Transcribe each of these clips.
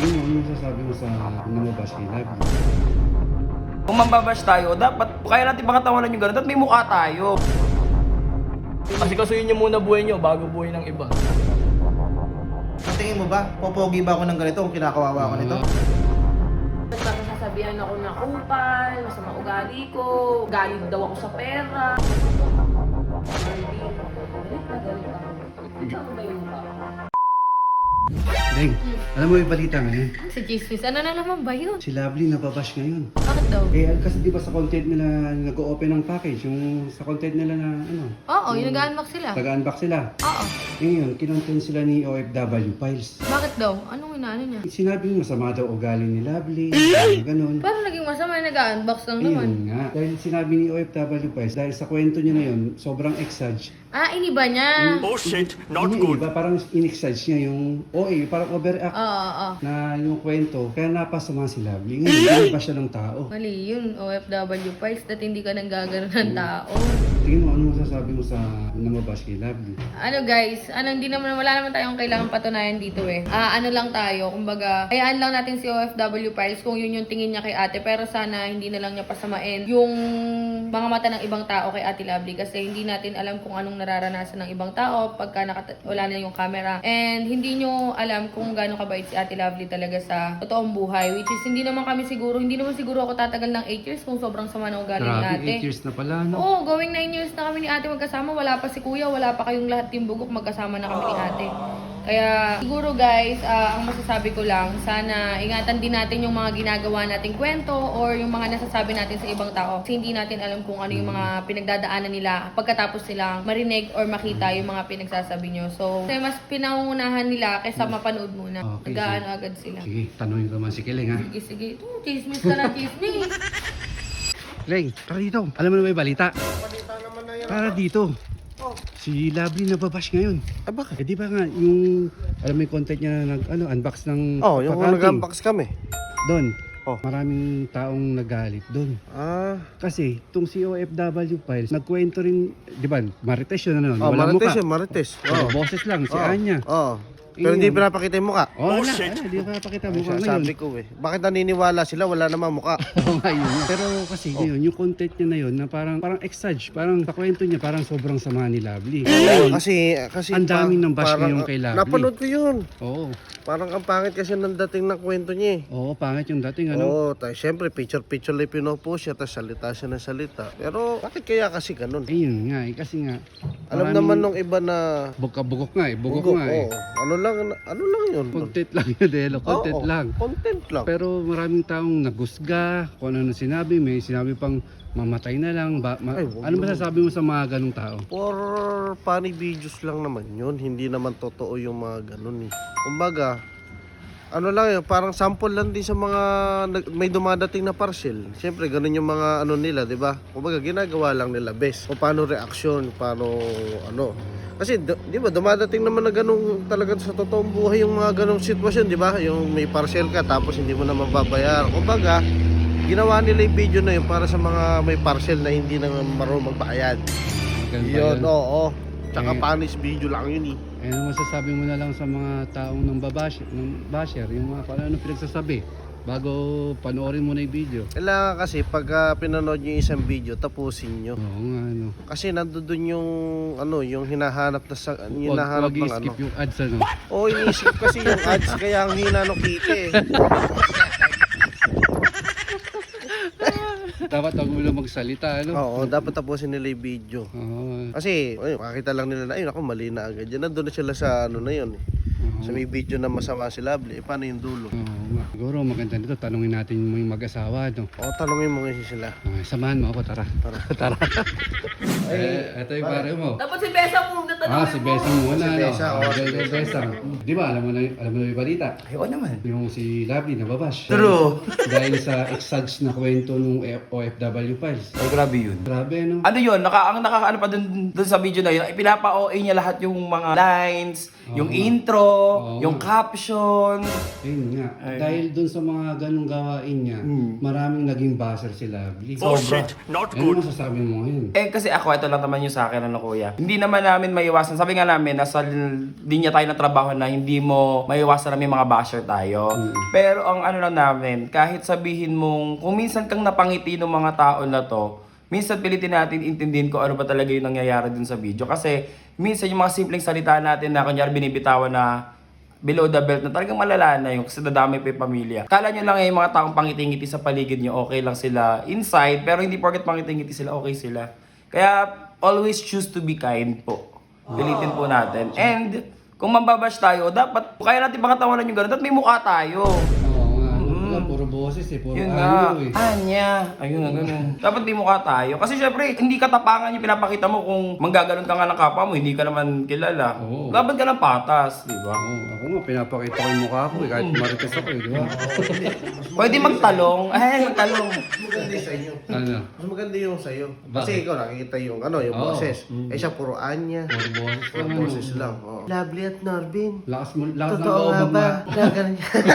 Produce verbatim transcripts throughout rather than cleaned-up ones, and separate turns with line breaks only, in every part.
Ano, ano masasabi mo sa namabash kay Lovely?
Kung mambabash tayo, dapat kaya natin pakatawanan yung gano'n. Dapat may mukha tayo.
Kasi kasuyin niyo muna buhay niyo bago buhay ng iba.
Ang tingin mo ba, popogi ba ako ng ganito kung kinakawawa ko nito?
Baka sasabihan ako na kupal, masama ugali ko, galing daw ako sa pera. Galit na galit ako. Saan ba yung mukha?
Deng, alam mo yung balita ngayon?
Si Chismis, ano na naman ba yun?
Si Lovely nababash ngayon.
Bakit daw?
Eh, kasi di ba sa content nila nag-o-open ng package, yung sa content nila na ano,
Oo, yung nag-unbox sila.
taga-unbox sila.
Oo.
Eh ngayon, kinontent sila ni O F W Files.
Bakit daw? Anong inaano niya?
Sinabi mo masama daw ugali ni Lovely, ano, ganun.
Parang naging masama yung nag-unbox lang naman.
Ayun nga. Dahil sinabi ni O F W Files, dahil sa kwento niya na yun, sobrang exage.
Ah, iniba niya.
Oh shit, not
Hindi,
good.
iba, parang in-exage niya yung, o eh, parang overact
Oo, oo, oo.
na yung kwento. Kaya napasama si Lovely. Ngayon, hindi pa siya ng tao.
Mali yun, O F W files, dat hindi ka nang gagano ng tao.
Tingin mo, ano masasabi mo sa namabash kay Lovely?
Ano guys, ano hindi naman wala naman tayong kailangan patunayan dito eh. Ah, ano lang tayo, kumbaga, hayaan lang natin si O F W files kung yun yung tingin niya kay ate, pero sana hindi na lang niya pasamain yung mga mata ng ibang tao kay Ate Lovely kasi hindi natin alam kung anong nararanasan ng ibang tao pagka nakata- wala na yung camera. And hindi nyo alam kung gaano kabait si Ate Lovely talaga sa totoong buhay, which is hindi naman kami siguro, hindi naman siguro ako tatagal ng eight years kung sobrang sama ng ugali ni
Grabe,
ate.
eight years na pala, no?
Oo, going nine years na kami ni ate magkasama. Wala pa si kuya, wala pa kayong lahat yung bugok, magkasama na kami ni ate. Kaya siguro guys, ah, ang masasabi ko lang, sana ingatan din natin yung mga ginagawa nating kwento or yung mga nasasabi natin sa ibang tao. Kasi hindi natin alam kung ano yung mga pinagdadaanan nila pagkatapos silang marinig or makita yung mga pinagsasabi nyo. So, kasi mas pinangungunahan nila kaysa mapanood muna.
Okay,
Nag-aano agad sila.
Sige, tanongin ko naman si Kiling, ha?
Sige, sige. Ito, chismis ka na, chismis.
Kiling, tara dito. Alam mo na may balita? Tara dito. Si Lovely nababash ngayon.
Ah, bakit?
Eh di ba nga, yung, alam mo yung content niya na nag, ano, unbox ng
Oh, yung
pakanting.
nag-unbox kami.
Doon,
Oh.
maraming taong nagalit doon.
Ah.
Kasi, itong si O F W Files, nagkwento rin, di ba, Marites yun, ano,
Oh,
walang
Marites
muka.
yun, Marites.
Oh.
Oh.
Boses lang, si
Oh.
Anya.
Oh. Pero
Yun.
hindi pinapakita yung mukha.
Oh,
Oh,
wala,
shit.
wala, di ba pakita mo
Ay,
ngayon.
sabi ko eh. Bakit naniniwala sila? Wala namang mukha.
Oo nga yun. Pero kasi
Oh.
yun, yung content niya na yun, na parang, parang exage, parang sa kwento niya, parang sobrang sama ni Lovely.
Kasi, kasi...
Ang daming
pa-
ng bash
parang-
ngayon kay Lovely.
Napanood ko yun.
Oo.
Parang ang pangit kasi ng dating ng kwento niya eh.
Oo, pangit yung dating, ano?
Oo, tayo syempre picture-picture lang pinupost siya, tapos salita siya ng salita. Pero bakit kaya kasi ganun?
Ayun nga, eh, kasi nga.
Alam
maraming-
naman nung iba na...
Bugka-bugok nga eh, bugok,
Bugok,
nga eh.
oo. Ano lang, ano lang yun?
Content lang yun, Delo, content
Oo,
lang.
Content lang.
Pero maraming taong nagusga, kung ano na sinabi, may sinabi pang mamatay na lang. Ba, ma-
Ay, wag
ano
naman.
masasabi mo sa mga ganong tao?
For funny videos lang naman yun. Hindi naman totoo yung mga ganun eh. Kumbaga, ano lang yun, parang sample lang din sa mga nag- may dumadating na parcel. Siyempre, ganun yung mga ano nila, di ba? Kumbaga, ginagawa lang nila best. O paano reaction, paano ano. Kasi, d- di ba, dumadating naman na ganun talaga sa totoong buhay yung mga ganung sitwasyon, di ba? Yung may parcel ka, tapos hindi mo na mababayar. Kumbaga, ginawa nila yung video na yun para sa mga may parcel na hindi na marunong magbayad.
Ganun ba
Yun,
yun?
oo. Tsaka
Eh.
panis video lang yun eh.
Eh, ano masasabi mo na lang sa mga taong ng babash, ng basher, yung mga kung ano pinagsasabi bago panoorin mo na yung video?
Kailangan kasi pag uh, pinanood nyo yung isang video, tapusin nyo.
Oo nga, ano.
Kasi nandoon yung ano, yung hinahanap na sa, yung
Huwag,
hinahanap
huwag
ng ano.
i-skip yung ads, ano.
Oo, iniisip kasi yung ads kaya ang hina ng kita eh.
Dapat huwag mo lang magsalita, ano.
Oo, dapat tapusin nila yung video.
Oo.
Kasi, ayun, makita lang nila na, ayun ako, mali na agad. Yan, nandun na sila sa ano na yun eh.
Oo.
Sa may video na masama si Lovely, eh, paano yung dulo?
Oo nga. Siguro maganda nito, tanungin natin mo yung mag-asawa, no.
O, tanongin mo ngayon sila.
Okay, samahan mo ako, tara.
Tara, tara.
Eh, ito yung pare mo.
Dapat si Besa muna tanongin
Ah, si Besang muna,
Si
ano?
Besa,
Ah,
oo,
si
si Besa.
Besang. Di ba, alam mo na, alam mo na yung balita?
Ay, oo naman.
Yung si Lovely nababash.
True.
Dahil sa exage na kwento ng O F W Files.
Ay, grabe yun.
Grabe, no?
Ano yun, naka, ang nakakaano pa dun, dun sa video na yun, ipinapa-O A niya lahat yung mga lines, yung
Oo.
intro,
Oo.
yung caption.
Ayun nga.
Ay.
Dahil dun sa mga ganong gawain niya,
Hmm.
maraming naging buzzer si Lovely.
Oh shit, not
Ano
good.
masasabi mo ngayon?
Eh kasi ako, ito lang naman yung sa akin, ano kuya. Hindi naman namin may maiwasan. Sabi nga namin, nasa linya tayo ng trabaho na hindi mo maiwasan na may mga basher tayo. Pero ang ano lang namin, kahit sabihin mong, kung minsan kang napangiti ng mga tao na to, minsan pilitin natin intindihin ko ano ba talaga yung nangyayari dun sa video. Kasi minsan yung mga simpleng salita natin na kunyari binibitawan na below the belt na talagang malala na yung kasi dadami pa yung pamilya. Kala nyo lang eh, yung mga taong pangiti-ngiti sa paligid nyo, okay lang sila inside, pero hindi porket pangiti-ngiti sila, okay sila. Kaya always choose to be kind po. Pilitin po natin. And kung mambabash tayo, dapat kaya natin pakatawanan yung gano'n, dapat may mukha tayo.
Oo nga. Wala, puro boses eh. Puro
Yun nga.
ano eh.
Anya. Ayun nga, ganun. Dapat may mukha tayo. Kasi syempre, hindi katapangan yung pinapakita mo kung manggagalon ka nga ng kapwa mo, hindi ka naman kilala.
Oo.
Laban ka ng patas, di ba?
Oo, ako nga, pinapakita ko yung mukha ko eh. Kahit marites ako eh, di ba?
Pwede magtalong. Ay, magtalong.
Mas maganda yung sa inyo.
Ano?
Mas maganda yung sa iyo.
Bakit?
Kasi ikaw nakikita yung ano, yung
Oo.
boses. Eh siya puro anya.
Puro boses
Puro
lang.
boses
ano.
lang. Oh. Lovely at Norvin.
Lakas mo, lakas ng
Totoo
loob
nga
ang
ba?
ma-
Gaganon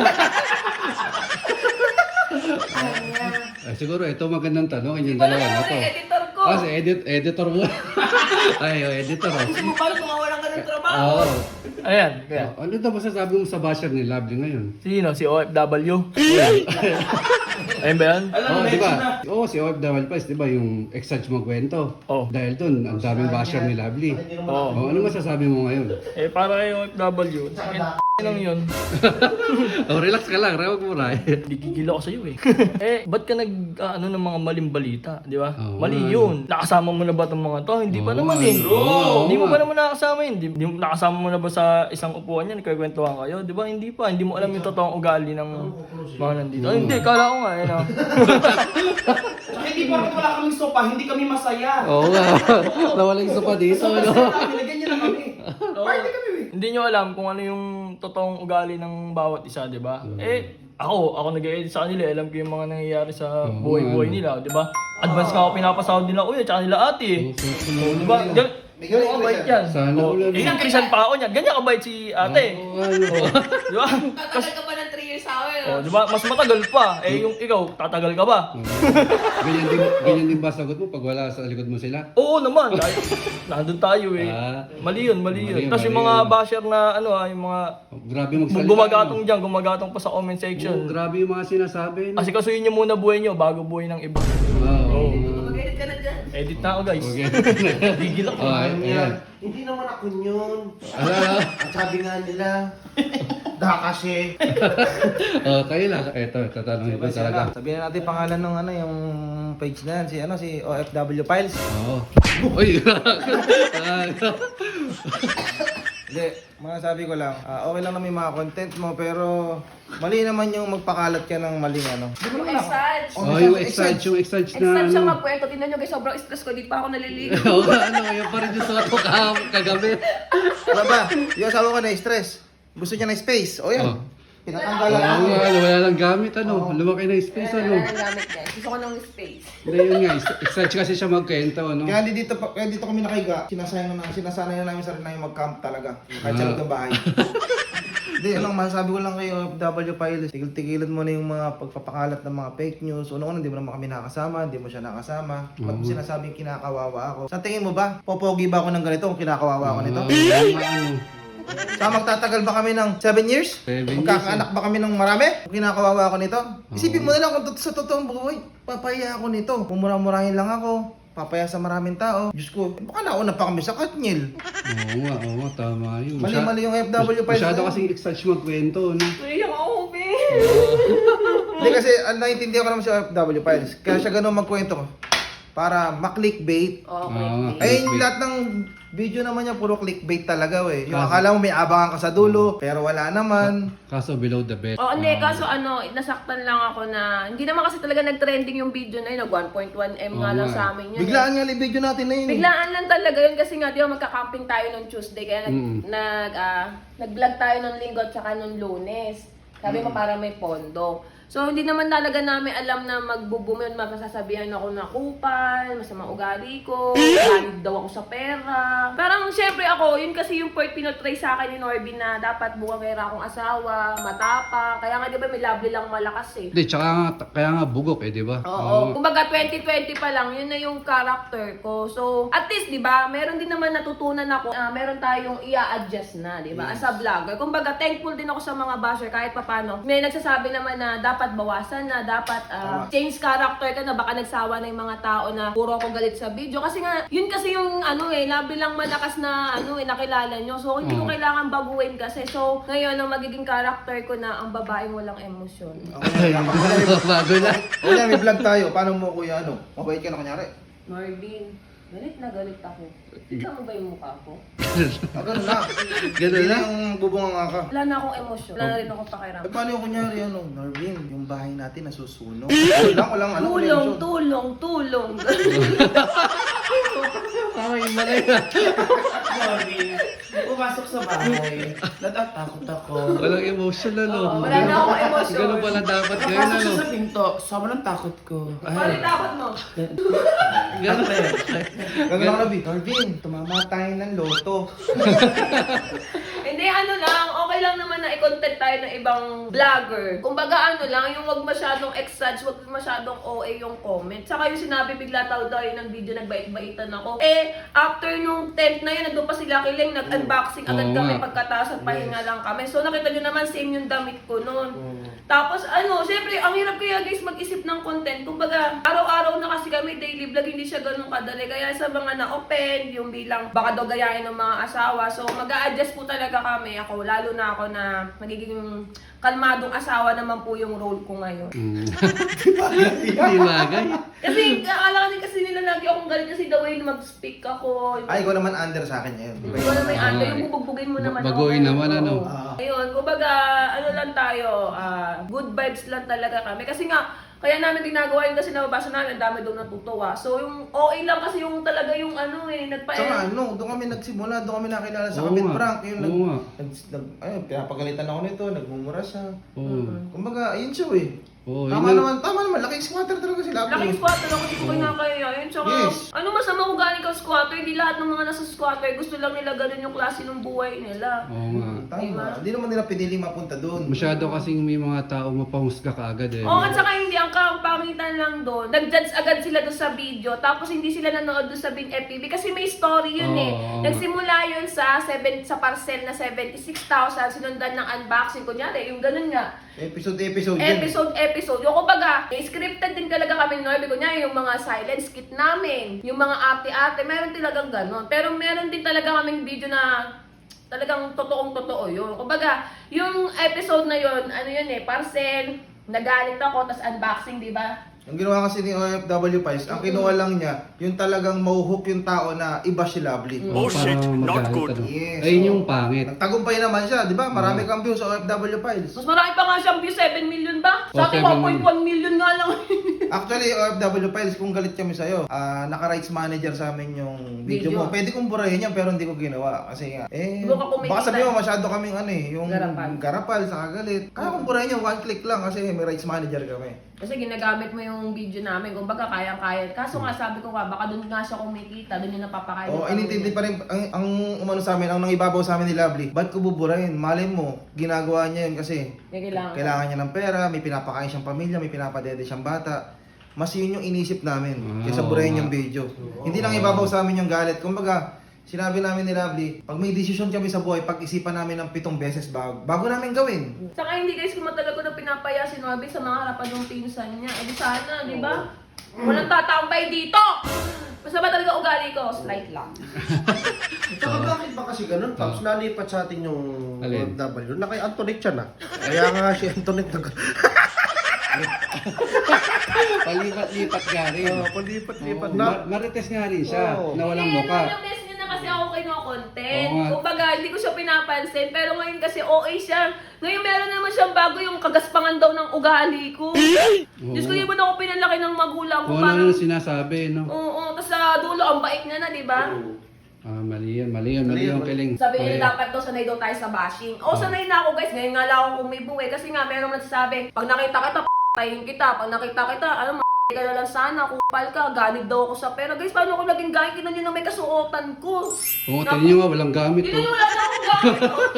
Eh, siguro ito magandang tanong, yung dalawa na to.
Editor ko.
Ah, si edit, editor mo. Ay, oh, editor oh.
Paano kung mawalan ka ng trabaho?
Oo.
Ayan, kaya.
Oh, ano daw masasabi mo sa basher ni Lovely ngayon?
Sino? Si O F W? Ayun ba yan?
Oh, di ba? Oo, si O F W Piles, di ba, yung ex-judge magkwento.
Oh.
Dahil dun, ang daming basher ni Lovely.
Oo.
Oh, ano masasabi mo ngayon?
Eh, para kay O F W, lang yun.
Oh, relax ka lang, rawag mo na eh.
Gigigil ako sa'yo eh. Eh, ba't ka nag, ah, ano ng mga maling balita, di ba?
Oo,
Mali
nga.
yun. Nakasama mo na ba itong mga to? Hindi pa
Oo,
naman
nga.
eh.
Oo,
Hindi mo
nga.
pa naman nakasama yun. Hindi, hindi mo- nakasama mo na ba sa isang upuan yan? Nagkakwentuhan kayo? Di ba? Hindi pa. Hindi mo alam yung totoong ugali ng mga nandito. Ah, hindi, kala ko nga. Yun, ah.
Hindi porket wala kaming sopa, hindi kami masaya.
Oo nga. Nawala yung sopa dito, ano?
Ganyan lang kami. Party kami.
Hindi nyo alam kung ano yung totoong ugali ng bawat isa, di ba? Eh, ako, ako nag-edit sa kanila, alam ko yung mga nangyayari sa
Oo,
buhay-buhay
ano.
nila, di ba? Advance nga ako pinapasahod nila, uy, at saka nila ate. eh.
Oo,
Di ba? Gan- Ganyan kabait yan.
Sana
Oh,
ulan.
eh, yung Christian pa ako niyan, ganyan kabait si ate.
Oo, ano?
Di ba?
Tatagal ka pa ng three years sa akin.
Oh, di ba? Mas matagal pa. Eh, yung ikaw, tatagal ka ba?
Ganyan din, ganyan din ba sagot mo pag wala sa likod mo sila?
Oo naman. Dahil nandun tayo eh.
Ah.
Mali yun, mali
Mali
yun.
yun,
Tapos yung
mali
mga
yun.
basher na ano ah, yung mga
Oh, grabe magsalita.
gumagatong dyan, gumagatong pa sa comment
ano? Oo,
section.
grabe yung mga sinasabi. No?
Kasi kasuyin nyo muna buhay nyo bago buhay ng iba.
Oo.
Mag-edit ka na dyan.
Edit na ako guys.
Okay.
Gigil ako.
Oh, ayan.
Hindi naman ako yun.
Ano, ano?
At sabi nga nila, da kasi.
Oh, kayo lang. Eto, tatanungin ko talaga.
Sabihin na natin pangalan ng ano yung page na yan, si ano si O F W Files.
Oo. Uy!
Hindi, masasabi ko lang, ah, okay lang na may mga content mo pero mali naman yung magpakalat ka ng maling ano.
Yung exage.
Oh, yung exage, yung exage na
Exage siya
ano.
magkwento. Tingnan nyo guys, sobrang stress ko. Di pa ako naliligo.
Oo, ano, yung pa rin yung suot ko ka- kagabi.
Ano ba? Yung asawa ko na stress. Gusto niya ng space. O yan.
Oh.
Pinatanggalan
Oo,
ako.
ano, wala lang gamit, ano. Lumaki na yung space,
Wala
ano.
na ng gamit guys. Gusto ko ng space.
Hindi, yun nga. Exage kasi siya magkwento, ano.
Kaya di dito, pa- kaya dito kami nakahiga, sinasayang na sinasanay na namin sarili namin mag-camp talaga. Kahit sa loob ng bahay. Hindi, ano, masasabi ko lang kayo, O F W Pilots, tigil-tigilan mo na yung mga pagpapakalat ng mga fake news. Una-una, hindi mo naman kami nakasama, hindi mo siya nakasama. Ba't mo sinasabing kinakawawa ako? Sa tingin mo ba, popogi ba ako ng ganito kung kinakawawa ako nito?
Oo, yung ano.
Sa magtatagal ba kami ng seven years?
Seven years,
Magkakaanak ba kami ng marami? Kung kinakawawa ako nito? Isipin mo na lang kung tot- sa totoong buhay, papaya ako nito. Kung mura-murahin lang ako, papaya sa maraming tao. Diyos ko, eh, baka nauna pa kami sa Katniel.
Oo nga, oo nga, tama yun. Masya-
Mali-mali yung F W pa.
Masyado kasing exage magkwento, no.
Iyak ako, babe.
Hindi kasi, ang naiintindihan ko naman si F W Files. Kaya siya ganun magkwento ko. Para ma-clickbait.
Okay.
Oo nga.
Ay, yung lahat ng video naman niya, puro clickbait talaga eh. Yung akala mo may abangan ka sa dulo, pero wala naman.
Kaso below the belt.
Oo, hindi. Kaso ano, nasaktan lang ako na, hindi naman kasi talaga nag-trending yung video na yun. Nag one point one M nga
Oo
lang
nga.
sa amin yun.
Biglaan nga yung video natin na yun. eh.
Biglaan lang talaga yun kasi nga, di ba magka-camping tayo nung Tuesday. Kaya nag,
Mm.
nag, ah, nag-vlog tayo nung linggo at saka nung lunes. Sabi mo para may pondo. So, hindi naman talaga namin alam na magbubumi at masasabihan ako na kupal, masama ugali ko, galit daw ako sa pera. Parang, syempre ako, yun kasi yung part pinotray sa akin ni Norby na dapat bukangera akong asawa, matapa. Kaya nga, di ba, may lovely lang malakas eh.
Hindi, tsaka nga, kaya nga bugok eh, di ba?
Oo. Kumbaga, twenty twenty pa lang, yun na yung character ko. So, at least, di ba, meron din naman natutunan ako, uh, meron tayong i-adjust na, di ba, as a vlogger. Kumbaga, thankful din ako sa mga basher kahit papano. May nagsasabi naman na dapat bawasan na, dapat uh, change character ka na, baka nagsawa na yung mga tao na puro ako galit sa video. Kasi nga, yun kasi yung ano eh, labi lang malakas na ano eh, nakilala nyo. So, hindi ko kailangan baguhin kasi. So, ngayon, ang magiging character ko na ang babaeng walang emosyon.
Okay,
Bago na.
O yan, may vlog tayo. Paano mo kuya ano? Mabait ka na kunyari?
Marvin, galit na galit ako. Ikaw mo ba yung mukha ko?
Ah, ganun na.
Ganun
Hindi
na?
yung bubunga nga ka.
Wala na akong emosyon. Wala na rin akong pakiramdam.
Eh, paano yung kunyari ano? Narvin, yung bahay natin nasusunog. Walang, walang ano. walang
Tulong,
emosyon.
tulong, tulong.
Ay, malay na.
Marvin, pumasok sa bahay. Natatakot ako.
Walang emotion na, no?
Oo, wala na akong emosyon.
Ganun pala dapat ngayon,
Napasok
ano?
siya sa pinto. Sobrang takot ko.
Bakit takot mo?
Ganun na yun.
Ganun lang nabi. Narvin, tumama tayo ng loto.
Hindi, ano lang, okay lang naman na i-content tayo ng ibang vlogger. Kumbaga ano lang, yung wag masyadong exage, wag masyadong O A yung comment. Saka yung sinabi bigla tao daw yun ng video, nagbait-baitan ako. Eh, after nung tent na yun, nandun pa sila kiling, nag-unboxing agad
Oo
kami
nga.
pagkatapos at pahinga lang kami. So nakita nyo naman, same yung damit ko noon. Tapos ano, syempre, ang hirap kaya guys mag-isip ng content. Kumbaga, araw-araw na kasi kami daily vlog, hindi siya ganun kadali. Kaya sa mga na-open, yung bilang baka daw gayahin ng mga asawa. So mag-a-adjust po talaga kami. Ako, lalo na ako na magiging kalmadong asawa naman po yung role ko ngayon.
Mm. Hindi bagay.
Kasi akala din kasi nila lagi akong galit kasi the way na mag-speak ako.
Ay, ikaw naman under sa akin ngayon.
Ikaw na may ano, yung bubugbugin mo naman
Baguhin naman,
Oo.
ano?
Ah.
Ayun, kumbaga, ano lang tayo, ah, good vibes lang talaga kami. Kasi nga, kaya namin ginagawa yun kasi nababasa namin, ang dami doon natutuwa. So, yung O A lang kasi yung talaga yung ano eh, nagpa
Saka ano, doon kami nagsimula, doon kami nakilala sa
Oo
Kapit
nga.
Prank. Yung nag,
Oo nga.
nag, nag, ayun, pinapagalitan ako nito, nagmumura siya.
Oo.
Kumbaga, ayun siya eh.
Oo,
Tama
yun
naman, tama naman, laking squatter talaga sila.
Laking squatter ako, hindi ko kinakaya yun. Tsaka,
Yes.
ano masama kung galing kang squatter? Hindi lahat ng mga nasa squatter, gusto lang nila ganun yung klase ng buhay nila.
Oo nga.
Tama. Hindi naman nila piniling mapunta doon.
Masyado kasing may mga tao mapahusga ka agad eh.
Oo, at saka hindi, ang kapangitan lang doon, nag-judge agad sila doon sa video, tapos hindi sila nanood doon sa Bin F P B kasi may story yun eh.
Oo.
Nagsimula yun sa seven, sa parcel na seventy-six thousand, sinundan ng unboxing, kunyari, yung ganun nga.
Episode, episode yun.
Episode, episode. Yung kumbaga, scripted din talaga kami Norby. Kunyari, yung mga silent skit namin, yung mga ate-ate, meron talagang ganon. Pero meron din talaga kaming video na talagang totoong totoo yun. Kumbaga, yung episode na yun, ano yun eh, parcel, nagalit ako, tas unboxing, di ba?
Ang ginawa kasi ni O F W Pies, ang kinuha lang niya, yung talagang mauhook yung tao na iba si Lovely.
Oh, shit, not good.
Yes,
Ayun
oo.
yung pangit.
Nagtagumpay naman siya, di ba? Marami kang views sa O F W Pies.
Mas marami pa nga siyang view, seven million ba? Sa atin,
Oh, seven
one point one million nga lang.
Actually, O F W Pies, kung galit kami sa'yo, ah, naka-rights manager sa amin yung video,
Video.
mo. Pwede kong burahin yan, pero hindi ko ginawa. Kasi nga, eh,
Doon ka kumikita.
baka sabihin mo masyado kaming ano eh, yung
Garapal.
garapal, sa kagalit. Kaya kong burahin yan, one click lang kasi may rights manager kami.
Kasi ginagamit mo yung video namin, kumbaga kayang-kaya. Kaso nga sabi ko nga, baka doon nga siya kumikita, doon yung napapakain.
Oo, oh, inintindi pa rin, ang, ang umano sa amin, ang nangibabaw sa amin ni Lovely, ba't ko buburahin? Malay mo, ginagawa niya yun kasi
May kailangan.
kailangan niya ng pera, may pinapakain siyang pamilya, may pinapadede siyang bata. Mas yun yung inisip namin,
Ah,
kaysa
oo
burahin
nga.
yung video. Hindi lang ibabaw sa amin yung galit. Kumbaga, sinabi namin ni Lovely, pag may desisyon kami sa buhay, pag-isipan namin ng pitong beses bago, bago namin gawin.
Saka hindi guys, kung matagal ko na pinapaya si Norby sa mga harapan ng pinsan niya. Eh di sana, di ba? Walang tatambay dito! Basta ba talaga ugali ko? Slight lang.
Tsaka bakit ba kasi ganun, Pops? Nalipat sa atin yung
Alin?
O F W na kay Antoinette siya na. Kaya nga si Antoinette nag...
Palipat-lipat nga rin.
Oh, palipat-lipat
Oo,
na.
ma- marites nga rin siya,
Oo.
na walang
Eh,
muka.
ilang beses niya na kasi ako kino-content.
Oo nga.
Kumbaga, hindi ko siya pinapansin. Pero ngayon kasi O A siya. Ngayon meron naman siyang bago yung kagaspangan daw ng ugali ko. Diyos ko, yun ako pinalaki ng magulang ko.
Kung ano
Parang,
na sinasabi, no?
oo, tapos sa dulo, ang bait niya na, di ba?
Ah, mali yan, mali yan, mali
Mali yan,
yung
mali.
kiling.
Sabi nila
Mali.
dapat daw sanay daw tayo sa bashing. O sanay na ako guys, ngayon nga lang ako kung may buhay. Kasi nga meron nagsasabi, pag nakita kita, p***
papatayin kita. Pag nakita kita, alam mo, ka na lang sana, kupal ka, ganid daw ako sa pera. Guys, paano ako naging ganid? Tignan nyo na may kasuotan ko.
Oo, tingnan nyo nga, walang gamit
Tignan
to.
nyo, wala na akong gamit.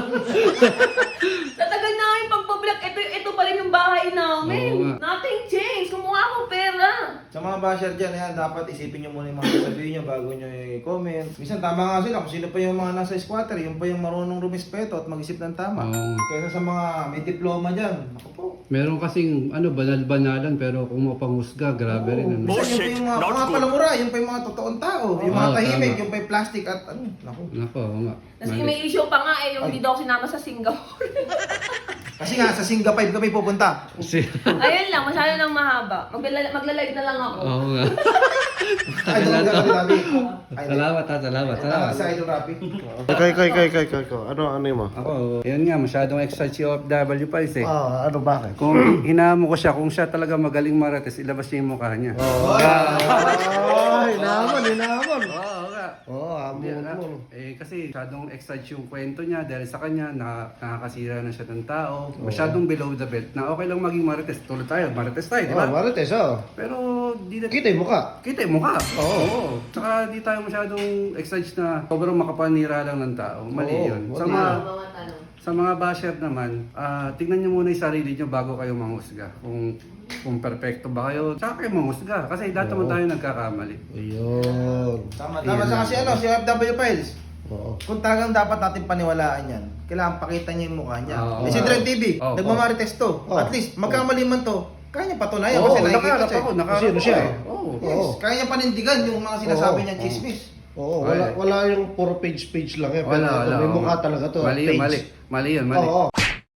Tatagal na yung pagpablog. Ito, ito pa rin yung bahay namin.
Oo nga.
Nothing changed. Kumuha akong pera.
Sa mga basher dyan, yan, dapat isipin nyo muna yung mga sasabihin nyo bago nyo i-comment. Minsan tama nga sila kung sino pa yung mga nasa squatter, yung pa yung marunong rumispeto at mag-isip ng tama.
Oo.
Kaysa sa mga may diploma dyan, ako po.
Meron kasing ano, banal-banalan pero kung mapanghusga, grabe rin. Ano.
Minsan yun pa yung mga, mga palamura, yun pa yung mga totoong tao. Yung mga
Oo,
tahimik,
tama.
yung pa yung plastic at ano, naku.
Nako, oo nga.
Kasi
Mali.
may issue pa nga eh, yung hindi daw ako sinama sa Singapore.
Kasi nga, sa Singa five kami pupunta.
Kasi,
Ayun lang, masyado nang mahaba. Magla- magla-live na lang ako.
oo nga.
Ay, doon ka kami, Rabi. Ay,
Salamat ha, salamat.
Tama
Salamat.
sa Idol Rabi.
Kay, kay, kay, kay, kay, kay. Ano, ano yung mo?
Ako, yun nga, masyadong excited si O F W pa eh.
Ah, ano, bakit?
Kung hinamo ko siya, kung siya talaga magaling marites, ilabas niya yung mukha niya.
Ay, naman, inaman.
Oo nga.
Oo,
Hindi,
amon
ah,
mo.
eh kasi masyadong excited yung kwento niya dahil sa kanya na, nakakasira na siya ng tao. Masyadong below the belt na okay lang maging marites. Tulad tayo, marites tayo, di
Oh,
ba?
marites, oh.
Pero di na...
Kita yung mukha.
Kita yung mukha. Oo. Tsaka di tayo masyadong excited na sobrang makapanira lang ng tao. Mali
Oo,
yun. Sa
mali.
mga,
Mga tanong.
sa mga basher naman, ah, tignan niyo muna yung sarili niyo bago kayo manghusga. Kung kung perfecto ba kayo, tsaka kayo manghusga. Kasi lahat naman tayo nagkakamali.
Ayun.
Tama, tama sa kasi ano, si O F W Files.
Oo.
Kung talagang dapat natin paniwalaan yan, kailangan pakita niya yung mukha niya.
Oo.
Eh, si Trend T V,
Oo.
nagmamarites to.
Oo.
At least, magkamali man to, kaya niya patunayan
Oo,
kasi nakikita
nakaharap
siya.
ako,
eh.
nakaharap
Sino siya?
ako. Oo.
Yes,
Oo.
kaya niya panindigan yung mga sinasabi
Oo.
niya chismis.
Oo, wala,
Ay.
wala yung puro page-page lang eh. Pero
Wala,
ito,
wala.
may
oo.
mukha talaga to.
Mali yun,
page.
mali. Mali yun, mali.
Oo.